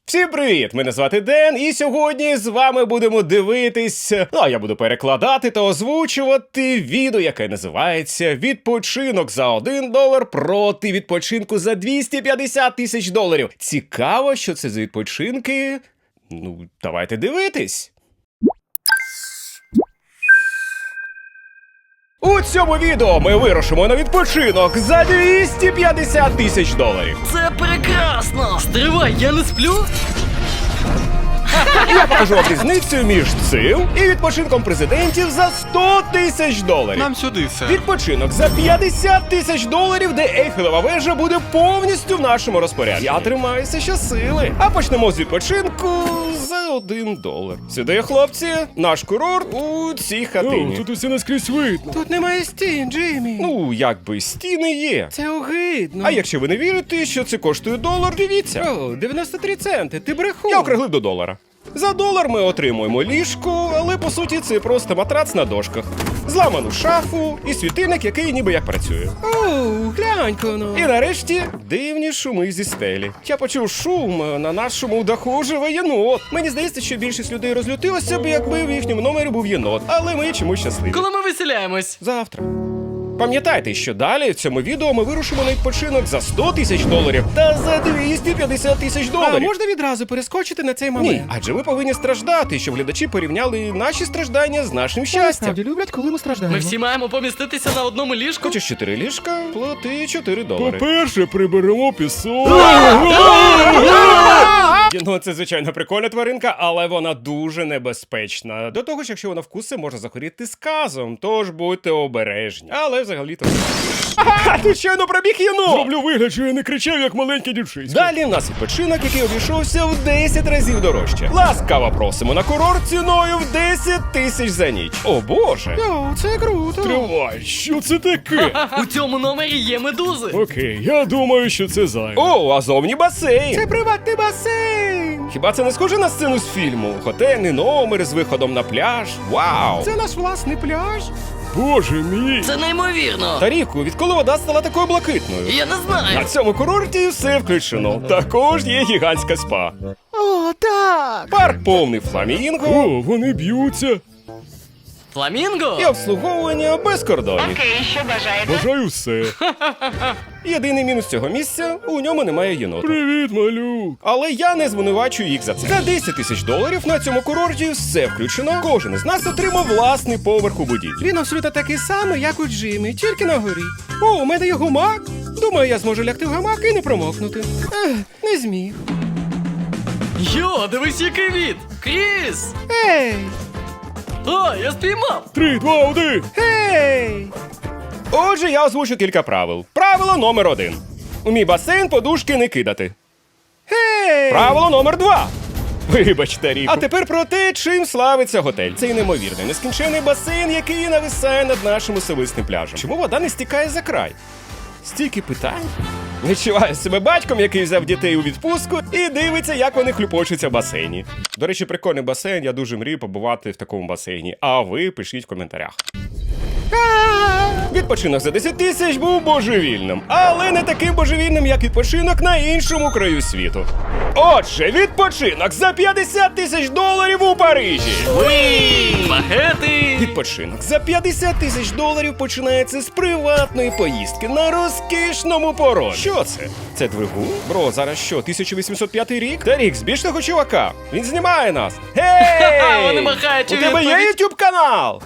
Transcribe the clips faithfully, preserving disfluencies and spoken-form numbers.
Всім привіт! Мене звати Ден, і сьогодні з вами будемо дивитись, ну а я буду перекладати та озвучувати відео, яке називається «Відпочинок за один долар проти відпочинку за двісті п'ятдесят тисяч доларів». Цікаво, що це за відпочинки? Ну, давайте дивитись. У цьому відео ми вирушимо на відпочинок за двісті п'ятдесят тисяч доларів. Це прекрасно! Стривай, я не сплю? Я покажу вам різницю між цим і відпочинком президентів за сто тисяч доларів. Нам сюди, сер. Відпочинок за п'ятдесят тисяч доларів, де Ейфелева вежа буде повністю в нашому розпорядженні. Я тримаюся щосили. А почнемо з відпочинку за один долар. Сюди, хлопці, наш курорт у цій хатині. О, тут усе наскрізь видно. Тут немає стін, Джиммі. Ну, якби стіни є. Це огидно. А якщо ви не вірите, що це коштує долар, дивіться. О, дев'яносто три центи, ти брехун. Я округлив до долара. За долар ми отримуємо ліжко, але по суті це просто матрац на дошках. Зламану шафу і світильник, який ніби як працює. О, глянь-ка ну. І нарешті дивні шуми зі стелі. Я почув шум, на нашому даху живе єнот. Мені здається, що більшість людей розлютилося б, якби в їхньому номері був єнот. Але ми чомусь щасливі. Коли ми виселяємось? Завтра. Пам'ятайте, що далі в цьому відео ми вирушимо на відпочинок за сто тисяч доларів та за двісті п'ятдесят тисяч А доларів. можна відразу перескочити на цей момент? Ні, адже ви повинні страждати, щоб глядачі порівняли наші страждання з нашим щастям. Справді люблять, коли ми страждаємо. Ми всі маємо поміститися на одному ліжку? Хочеш чотири ліжка, плати чотири долари. По-перше, приберемо пісок. Ну, це, звичайно, прикольна тваринка, але вона дуже небезпечна. До того ж, якщо вона вкусить, може захворіти сказом, тож будьте обережні. Але взагалі-то... Ага, тут щойно пробіг єнот! Роблю вигляд, що я не кричав, як маленький дівчисько. Далі в нас відпочинок, який обійшовся в десять разів дорожче. Ласкаво просимо на курорт ціною в десять тисяч за ніч. О боже! О, це круто. Тривай, що це таке? У цьому номері є медузи. Окей, я думаю, що це зайве. О, а зовні басейн! Це приватний басейн. Хіба це не схоже на сцену з фільму? Готельний номер з виходом на пляж. Вау! Це наш власний пляж. Боже мій. Це неймовірно. Таріку, відколи вода стала такою блакитною? Я не знаю. На цьому курорті все включено. Також є гігантська спа. О, так. Парк повний фламінго О, вони б'ються. Фламінго? і обслуговування без кордонів. Окей, що бажаєте? Бажаю все. Єдиний мінус цього місця – у ньому немає єнота. Привіт, малюк. Але я не звинувачую їх за це. За десять тисяч доларів на цьому курорті все включено. Кожен із нас отримав власний поверх у будівлі. Він абсолютно такий самий, як у Джиммі, тільки на горі. О, у мене є гумак. Думаю, я зможу лягти в гамак і не промокнути. Ех, не зміг. Йо, дивись, який від. Кріс! Ей! О, я спіймав. Три, два, один. Ей! Отже, я озвучу кілька правил. Правило номер один. У мій басейн подушки не кидати. Ей! Правило номер два. Вибачте, Ріку. А тепер про те, чим славиться готель. Цей неймовірний, нескінчений басейн, який нависає над нашим особистим пляжем. Чому вода не стікає за край? Стільки питань. Відчуваю себе батьком, який взяв дітей у відпустку і дивиться, як вони хлюпочуться в басейні. До речі, прикольний басейн, я дуже мрію побувати в такому басейні. А ви пишіть в коментарях. Відпочинок за десять тисяч був божевільним, але не таким божевільним, як відпочинок на іншому краю світу. Отже, відпочинок за п'ятдесят тисяч доларів у Парижі. Багети! Відпочинок за п'ятдесят тисяч доларів починається з приватної поїздки на розкішному породі. Що це? Це двигун? Бро, зараз що, тисяча вісімсот п'ятий рік? Та рік, збільш того чувака. Він знімає нас. Гей! Вони махають у У тебе є відповідь. ютуб канал?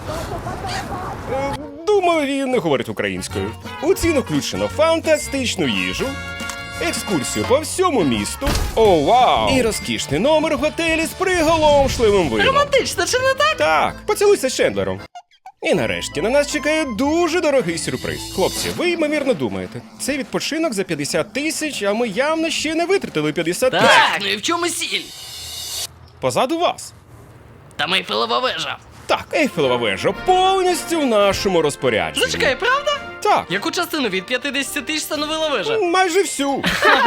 Е, Думаю, він не говорить українською. У ціну включено фантастичну їжу, екскурсію по всьому місту, о, вау! І розкішний номер в готелі з приголомшливим видом. Романтично, чи не так? Так, поцілуйся з Чендлером. І нарешті на нас чекає дуже дорогий сюрприз. Хлопці, ви ймовірно думаєте, це відпочинок за п'ятдесят тисяч, а ми явно ще не витратили п'ятдесят тисяч. Так, ну і в чому сіль? Позаду вас. Там Ейфелева вежа. Так, Ейфелева вежа повністю в нашому розпорядженні. Зачекай, правда? Так. Яку частину від п'ятдесят тисяч становила вежа? Майже всю.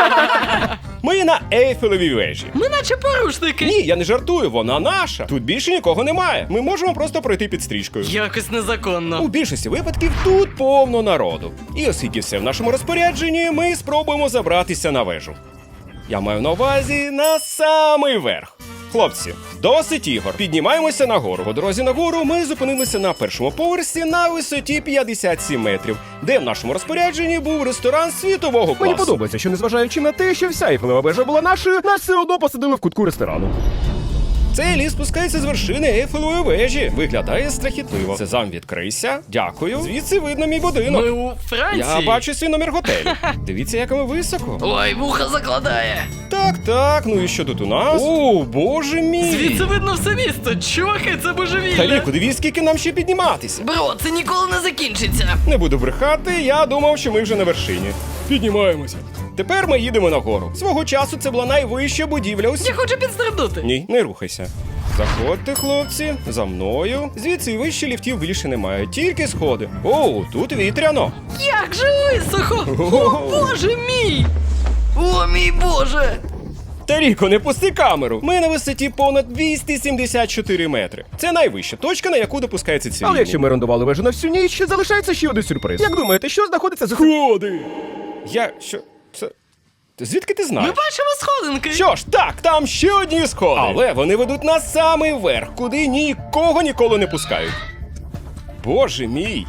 Ми на Ейфелевій вежі. Ми наче порушники. Ні, я не жартую, вона наша. Тут більше нікого немає. Ми можемо просто пройти під стрічкою. Якось незаконно. У більшості випадків тут повно народу. І оскільки все в нашому розпорядженні, ми спробуємо забратися на вежу. Я маю на увазі на самий верх. Хлопці, досить ігор. Піднімаємося нагору. По дорозі нагору ми зупинилися на першому поверсі на висоті п'ятдесят сім метрів, де в нашому розпорядженні був ресторан світового класу. Мені подобається, що незважаючи на те, що вся Ейфелева вежа була нашою, нас все одно посадили в кутку ресторану. Цей ліс спускається з вершини Ейфелевої вежі. Виглядає страхітливо. Сезам, відкрийся. Дякую. Звідси видно мій будинок. Ми у Франції. Я бачу свій номер готелю. Дивіться, як ми високо. Ой, вуха закладає. Так, так, ну і що тут у нас? О, боже мій! Звідси видно все місто. Чуваки, це божевілля. Таліку, дивись, скільки нам ще підніматися. Бро, це ніколи не закінчиться. Не буду брехати, я думав, що ми вже на вершині. Піднімаємося. Тепер ми їдемо нагору. Свого часу це була найвища будівля у світі. Я хочу підстрибнути. Ні, не рухайся. Заходьте, хлопці, за мною. Звідси вище ліфтів більше немає, тільки сходи. О, тут вітряно. Як же високо! О, боже мій! О, мій боже! Таріко, не пусти камеру. Ми на висоті понад двісті сімдесят чотири метри. Це найвища точка, на яку допускається цивільний. Але якщо ми орендували вежу на всю ніч, залишається ще один сюрприз. Як думаєте, що знаходиться за Ходи! Я... що... це... Звідки ти Ми знаєш? бачимо сходинки. Що ж, так, там ще одні сходи. Але вони ведуть на самий верх, куди нікого ніколи не пускають. Боже мій.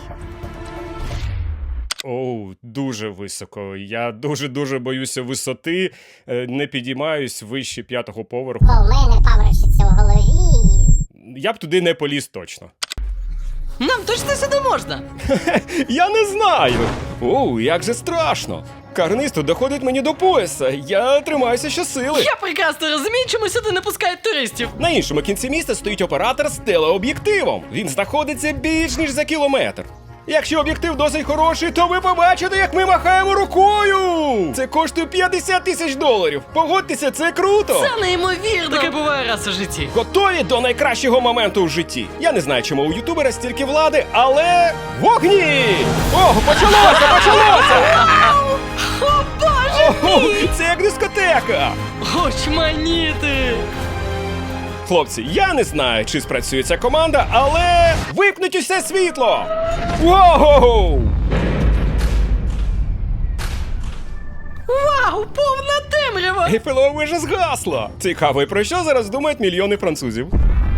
Оу, дуже високо. Я дуже-дуже боюся висоти. Е, Не підіймаюсь вище п'ятого поверху. Бо в мене паморочиться в голові. Я б туди не поліз точно. Нам точно сюди можна. Я не знаю. Оу, як же страшно. Карниз тут доходить мені до пояса. Я тримаюся щосили. Я прекрасно розумію, чому сюди не пускають туристів. На іншому кінці міста стоїть оператор з телеоб'єктивом. Він знаходиться більш ніж за кілометр. Якщо об'єктив досить хороший, то ви побачите, як ми махаємо рукою! Це коштує п'ятдесят тисяч доларів. Погодьтеся, це круто! Це неймовірно. Таке буває раз у житті. Готові до найкращого моменту в житті. Я не знаю, чому у ютубера стільки влади, але вогні! О, почалося, почалося! О, боже! О, це як дискотека! Очманіти! Хлопці, я не знаю, чи спрацює ця команда, але випнуть усе світло! Воу! Вау, повна темрява! Ейфелева вежа згасла! Цікаво, і про що зараз думають мільйони французів?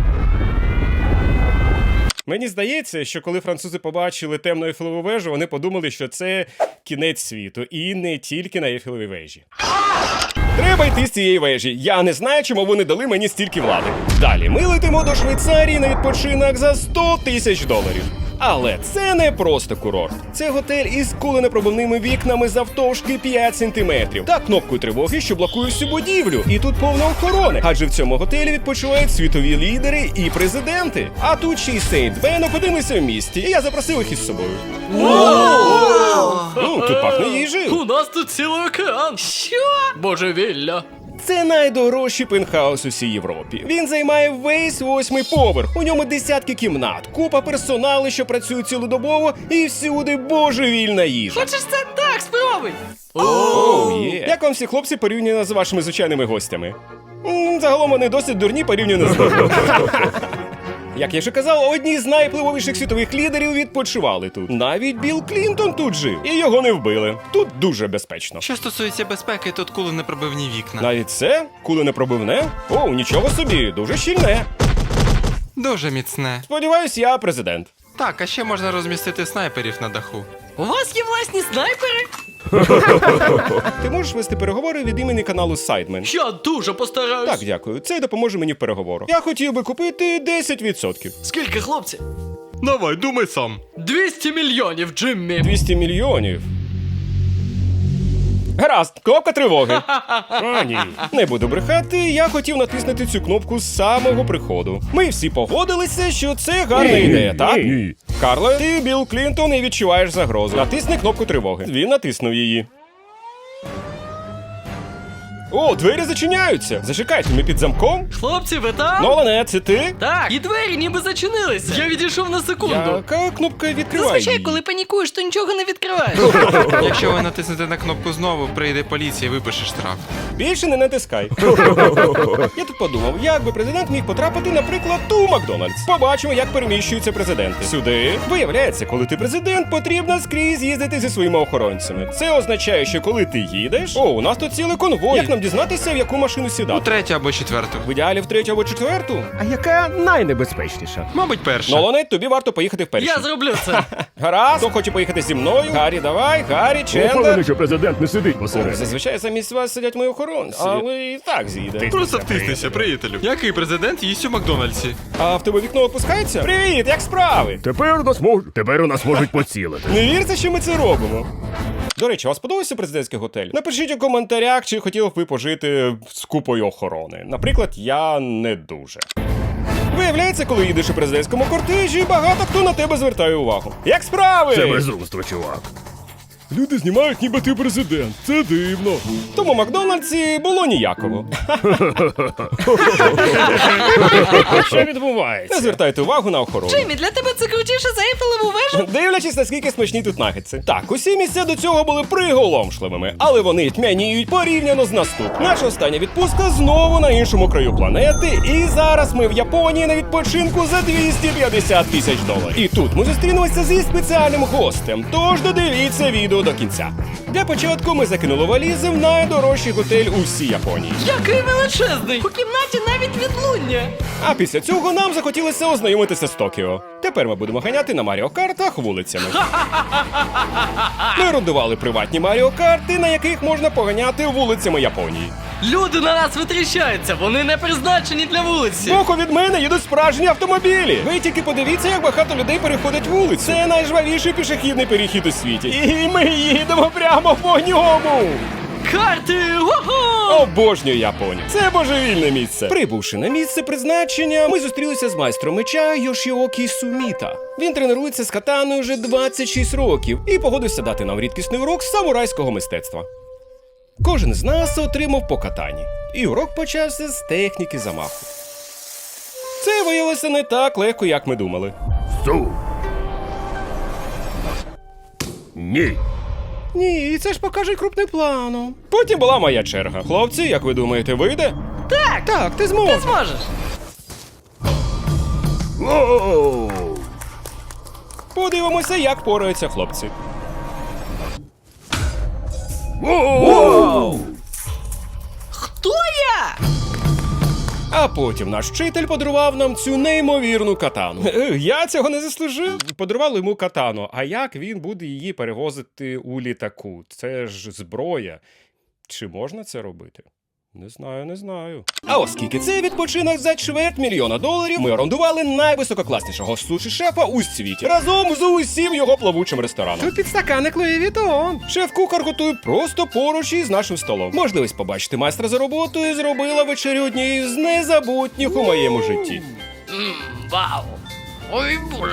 Мені здається, що коли французи побачили темну Ейфелеву вежу, вони подумали, що це кінець світу, і не тільки на Ейфелевій вежі. Треба йти з цієї вежі. Я не знаю, чому вони дали мені стільки влади. Далі ми летимо до Швейцарії на відпочинок за сто тисяч доларів. Але це не просто курорт. Це готель із куленепробивними вікнами завтовшки п'ять сантиметрів та кнопкою тривоги, що блокує всю будівлю. І тут повно охорони, адже в цьому готелі відпочивають світові лідери і президенти. А тут ще й Сейнт Бен опинилися в місті, і я запросив їх із собою. Ну, тут пахне їжею. У нас тут цілий океан. Що? Божевілля. Це найдорожчий пентхаус у всій Європі. Він займає весь восьмий поверх. У ньому десятки кімнат, купа персоналу, що працює цілодобово, і всюди божевільна їжа. Хочеш це? Так, спробуй. Оу, є. Як вам всі хлопці порівняно з вашими звичайними гостями? М, Загалом вони досить дурні порівняно з ними. Як я вже казав, одні з найвпливовіших світових лідерів відпочивали тут. Навіть Білл Клінтон тут жив, і його не вбили. Тут дуже безпечно. Що стосується безпеки, тут куленепробивні вікна. Навіть це куленепробивне? О, нічого собі, дуже щільне. Дуже міцне. Сподіваюсь, я президент. Так, а ще можна розмістити снайперів на даху. У вас є власні снайпери? Ти можеш вести переговори від імені каналу Сайдмен? Я дуже постараюсь. Так, дякую. Це допоможе мені в переговорах. Я хотів би купити десять відсотків. Скільки, хлопці? Давай, думай сам. двісті мільйонів, Джиммі. двісті мільйонів. Гаразд, кнопка тривоги. А, ні. Не буду брехати, я хотів натиснути цю кнопку з самого приходу. Ми всі погодилися, що це гарна ідея, так? Ні. Карле, ти Білл Клінтон і відчуваєш загрозу. Натисни кнопку тривоги. Він натиснув її. О, двері зачиняються. Зачекайте, ми під замком? Хлопці, ви там? Нолане, це ти? Так, і двері ніби зачинилися. Я відійшов на секунду. Яка кнопка відкриває Зазвичай, її? коли панікуєш, то нічого не відкриваєш. Якщо ви натиснете на кнопку знову, прийде поліція і випише штраф. Більше не натискай. Я тут подумав, як би президент міг потрапити, наприклад, у Макдональдс. Побачимо, як переміщуються президенти. Сюди. Виявляється, коли ти президент, потрібно скрізь їздити зі своїми охоронцями. Це означає, що коли ти їдеш, о, у нас тут цілий конвой. Як нам нам дізнатися, в яку машину У сідати. третю або четверту. В ідеалі в третю або четверту? А яка найнебезпечніша? Мабуть, перша. Нолане, тобі варто поїхати вперше. Я зроблю це. Гаразд, хто хоче поїхати зі мною? Гаррі, давай, Гаррі, Впевнений, Чендер. що президент не сидить посередині. Зазвичай замість вас сидять мої охоронці. Але і так з'їде. Просто втиснися, приятелю. Який президент їсть у Макдональдсі? А в тебе вікно опускається? Привіт, як справи? Тепер у нас можуть, тепер у нас можуть поцілити. Не вірте, що ми це робимо. До речі, вас подобається президентський готель? Напишіть у коментарях, чи хотіли б ви пожити з купою охорони. Наприклад, я не дуже. Виявляється, коли їдеш у президентському кортежі, багато хто на тебе звертає увагу. Як справи? Це безумство, чувак. Люди знімають, ніби ти президент. Це дивно. Тому Макдональдсі було ніякого. Що відбувається? Не звертайте увагу на охорону. Джиммі, для тебе це крутіше за Ейфелеву вежу? Дивлячись, наскільки смачні тут нагетси. Так, усі місця до цього були приголомшливими, але вони тьмяніють порівняно з наступним. Наша остання відпустка знову на іншому краю планети, і зараз ми в Японії на відпочинку за двісті п'ятдесят тисяч доларів. І тут ми зустрінемося зі спеціальним гостем, тож додивіться відео до кінця. Для початку ми закинули валізи в найдорожчий готель у всій Японії. Який величезний! У кімнаті навіть відлуння. А після цього нам захотілося ознайомитися з Токіо. Тепер ми будемо ганяти на Маріо Картах вулицями. Ми орендували приватні Маріо Карти, на яких можна поганяти вулицями Японії. Люди на нас витріщаються, вони не призначені для вулиці. Збоку від мене їдуть справжні автомобілі. Ви тільки подивіться, як багато людей переходить вулицю. Це найжвавіший пішохідний перехід у світі. І ми їдемо прямо по ньому. Карти! Ого! Обожнюю Японію. Це божевільне місце. Прибувши на місце призначення, ми зустрілися з майстром меча Йошіокі Суміта. Він тренується з катаною вже двадцять шість років і погодився дати нам рідкісний урок з самурайського мистецтва. Кожен з нас отримав по катані. І урок почався з техніки замаху. Це виявилося не так легко, як ми думали. Су. Ні. Ні, це ж покаже крупним планом. Потім була моя черга. Хлопці, як ви думаєте, вийде? Так, Так, ти ти зможеш. зможеш. Воу. Подивимося, як пораються хлопці. Воу. Хто я? А потім наш вчитель подарував нам цю неймовірну катану. Е, Я цього не заслужив. Подарували йому катану. А як він буде її перевозити у літаку? Це ж зброя. Чи можна це робити? Не знаю, не знаю. А оскільки це відпочинок за чверть мільйона доларів, ми орендували найвисококласнішого суші-шефа у світі разом з усім його плавучим рестораном. Тут підстаканник Луї Вітон. Шеф-кухар готує просто поруч із нашим столом. Можливість побачити майстра за роботою зробила вечерю однією з незабутніх у моєму житті. Ммм, вау. Ой, боже.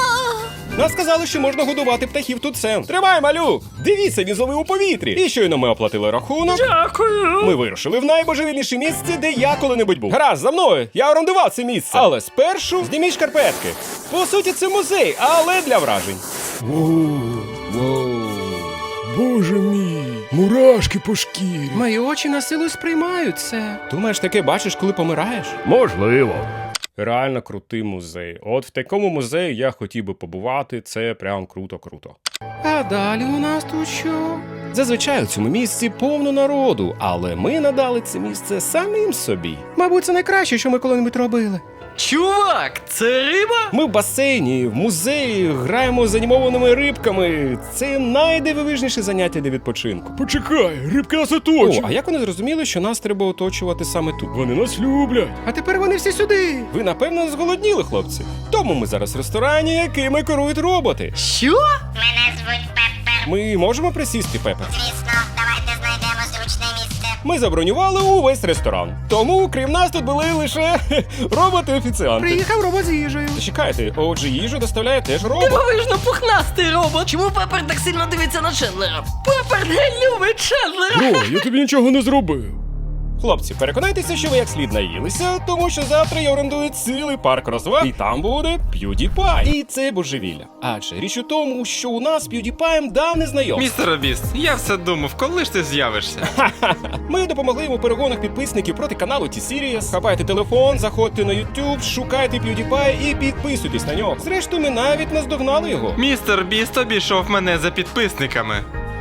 Нас сказали, що можна годувати птахів тут сен. Тримай, малюк! Дивіться, він зловив у повітрі. І щойно ми оплатили рахунок. Дякую. Ми вирушили в найбожевільніше місце, де я коли-небудь був. Гаразд, за мною! Я орендував це місце. Але спершу зніміть шкарпетки. По суті, це музей, але для вражень. Воу. Воу. Боже мій. Мурашки по шкірі. Мої очі на силу сприймають це. Думаєш, таке бачиш, коли помираєш? Можливо. Реально крутий музей. От в такому музеї я хотів би побувати, це прям круто-круто. А далі у нас тут що? Зазвичай у цьому місці повно народу, але ми надали це місце самим собі. Мабуть, це найкраще, що ми коли-небудь робили. Чувак, це риба? Ми в басейні, в музеї, граємо з анімованими рибками. Це найдивовижніше заняття для відпочинку. Почекай, рибки нас О, оточують. а як вони зрозуміли, що нас треба оточувати саме тут? Вони нас люблять. А тепер вони всі сюди. Ви, напевно, зголодніли, хлопці. Тому ми зараз в ресторані, якими керують роботи. Що? Мене звуть Пеппер. Ми можемо присісти, Пепе? Звісно, давайте знайдемо зручне місце. Ми забронювали увесь ресторан. Тому, крім нас, тут були лише роботи-офіціанти. Приїхав робот з їжею. Чекайте, отже, їжу доставляє теж робот. Дивовижно пухнастий робот. Чому Пепер так сильно дивиться на Чендлера? Пепер не любить Чендлера. О, я тобі нічого не зробив. Хлопці, переконайтеся, що ви як слід наїлися, тому що завтра я орендую цілий парк розваг, і там буде PewDiePie. І це божевілля. Адже річ у тому, що у нас з PewDiePie давне знайомство. Містер Біст, я все думав, коли ж ти з'явишся? Ми допомогли йому у перегонах підписників проти каналу T-Series. Хапайте телефон, заходьте на YouTube, шукайте PewDiePie і підписуйтесь на нього. Зрештою, ми навіть наздогнали його. Містер Біст обійшов мене за підписниками.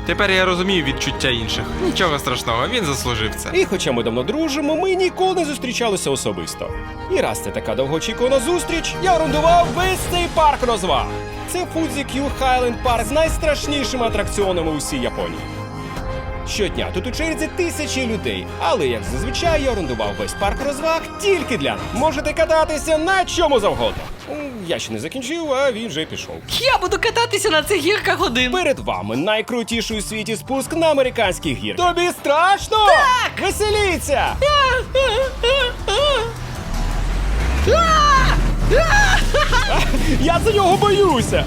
Тепер я розумію відчуття інших. Нічого страшного, він заслужив це. І хоча ми давно дружимо, ми ніколи не зустрічалися особисто. І раз це така довгоочікувана зустріч, я орендував весь цей парк розваг. Це Fuji Q Highland Park з найстрашнішими атракціонами у всій Японії. Щодня тут у черзі тисячі людей, але як зазвичай я орендував весь парк розваг тільки для нас. Можете кататися на чому завгодно. М, Я ще не закінчив, а він вже пішов. Я буду кататися на цих гірках один. Перед вами найкрутіший у світі спуск на американських гірках. Тобі страшно? Так! Веселіться! Я за нього боюся!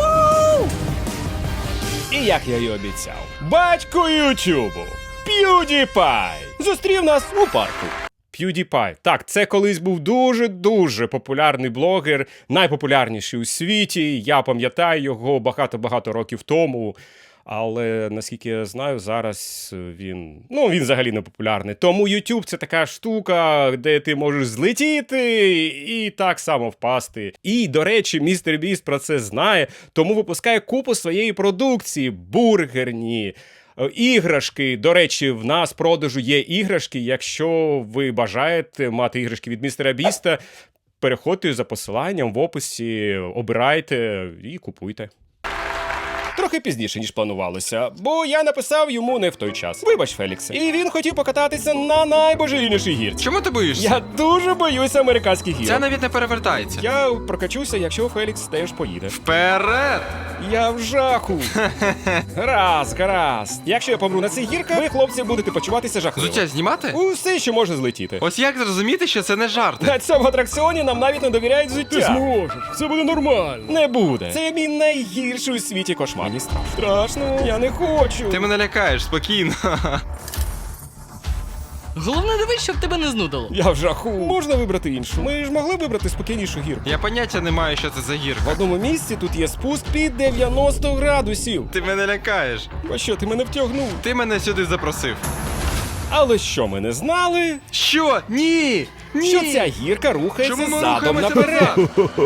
І як я й обіцяв, батько Ютубу, PewDiePie, зустрів нас у парку. PewDiePie. Так, це колись був дуже-дуже популярний блогер, найпопулярніший у світі. Я пам'ятаю його багато-багато років тому. Але, наскільки я знаю, зараз він, ну, він взагалі не популярний. Тому YouTube – це така штука, де ти можеш злетіти і так само впасти. І, до речі, містер Біст про це знає, тому випускає купу своєї продукції, бургерні, е, іграшки. До речі, в нас в продажу є іграшки. Якщо ви бажаєте мати іграшки від містера Біста, переходьте за посиланням в описі, обирайте і купуйте. Трохи пізніше, ніж планувалося, бо я написав йому не в той час. Вибач, Феліксе. І він хотів покататися на найбожевільнішій гірці. Чому ти боїшся? Я дуже боюся американських гір. Це навіть не перевертається. Я прокачуся, якщо Фелікс теж поїде. Вперед! Я в жаху. Гаразд, гаразд. Якщо я помру на цих гірках, ви, хлопці, будете почуватися жахливо. Взуття знімати? Усе, що може злетіти. Ось як зрозуміти, що це не жарти? На цьому атракціоні нам навіть не довіряють Ти взуття. зможеш, все буде нормально. Не буде. Це мій найгірший у світі кошмар. Мені страшно. Страшно, я не хочу. Ти мене лякаєш, спокійно. Головне дивись, щоб тебе не знудило. Я в жаху. Можна вибрати іншу. Ми ж могли вибрати спокійнішу гірку. Я поняття не маю, що це за гірка. В одному місці тут є спуск під дев'яносто градусів. Ти мене лякаєш. А що, ти мене втягнув? Ти мене сюди запросив. Але що ми не знали? Що? Ні! Ні! Що ця гірка рухається Чому ми задом рухаємося наперед.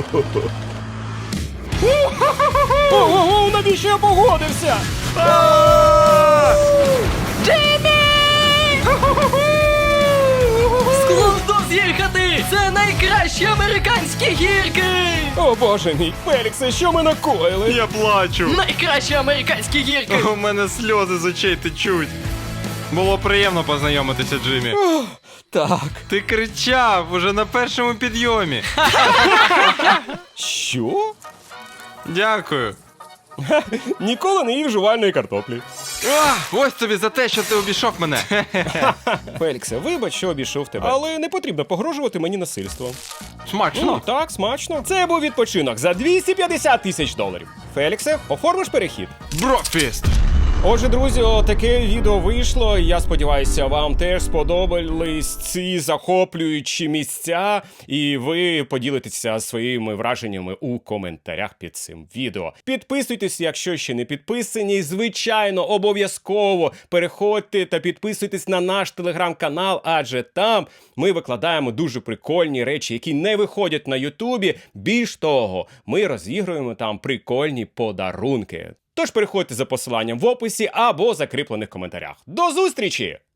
Ого, навіщо я погодився? Склондов з'їхати! Це найкращі американські гірки! О боже мій, Феліксе, що ми накоїли? Я плачу. Найкращі американські гірки! У мене сльози з очей течуть. Було приємно познайомитися, Джиммі. Так. Ти кричав уже на першому підйомі. Що? Дякую. Ніколи не їв жувальної картоплі. А, ось тобі за те, що ти обійшов мене. Феліксе, вибач, що обійшов тебе. Але не потрібно погрожувати мені насильством. Ну, Смачно. так, смачно. Це був відпочинок за двісті п'ятдесят тисяч доларів. Феліксе, оформиш перехід? Брокфіст. Отже, друзі, таке відео вийшло. Я сподіваюся, вам теж сподобались ці захоплюючі місця, і ви поділитеся своїми враженнями у коментарях під цим відео. Підписуйтесь, якщо ще не підписані. Звичайно, обов'язково переходьте та підписуйтесь на наш телеграм-канал, адже там ми викладаємо дуже прикольні речі, які не виходять на Ютубі. Більш того, ми розігруємо там прикольні подарунки. Тож переходьте за посиланням в описі або закріплених коментарях. До зустрічі!